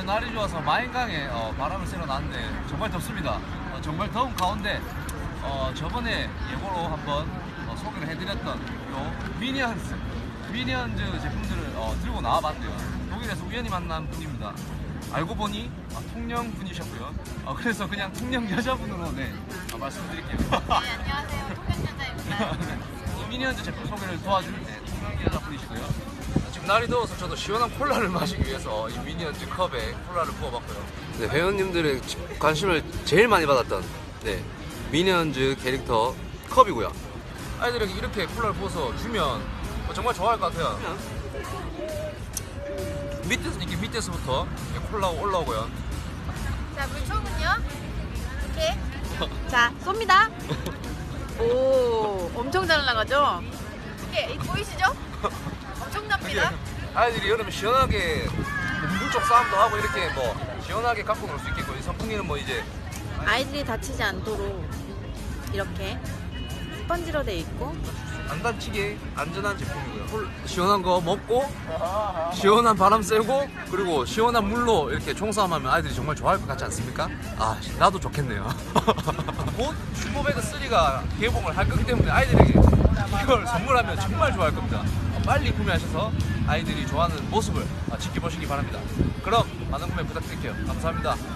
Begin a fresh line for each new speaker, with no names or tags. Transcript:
날이 좋아서 마인강에 바람을 쐬러 나왔는데 정말 덥습니다. 정말 더운 가운데 저번에 예고로 한번 소개를 해드렸던 요 미니언즈 제품들을 들고 나와봤대요. 독일에서 우연히 만난 분입니다. 알고 보니 통영 분이셨고요. 그래서 그냥 통영 여자분으로 말씀드릴게요.
네, 안녕하세요. 통영 여자입니다.
이 미니언즈 제품 소개를 도와줄 통영 여자분이시고요. 지금 날이 더워서 저도 시원한 콜라를 마시기 위해서 이 미니언즈 컵에 콜라를 부어봤고요.
네, 회원님들의 관심을 제일 많이 받았던 미니언즈 캐릭터 컵이고요.
아이들에게 이렇게 콜라를 부어서 주면 정말 좋아할 것 같아요. 밑에서부터 이렇게 콜라가 올라오고요.
자, 물총은요? 이렇게. 자, 쏩니다. 오, 엄청 잘 나가죠? 이게 보이시죠? 엄청납니다.
아이들이 여름에 시원하게 물쪽 싸움도 하고 이렇게 시원하게 갖고 놀 수 있겠고, 이 선풍기는 이제
아이들이 다치지 않도록 이렇게 스펀지로 돼 있고
안 다치게 안전한 제품이고요. 시원한 거 먹고 시원한 바람 쐬고 그리고 시원한 물로 이렇게 총싸움하면 아이들이 정말 좋아할 것 같지 않습니까? 나도 좋겠네요. 곧 슈퍼배드 3가 개봉을 할 거기 때문에 아이들에게 이걸 선물하면 정말 좋아할 겁니다. 빨리 구매하셔서 아이들이 좋아하는 모습을 지켜보시기 바랍니다. 그럼 많은 구매 부탁드릴게요. 감사합니다.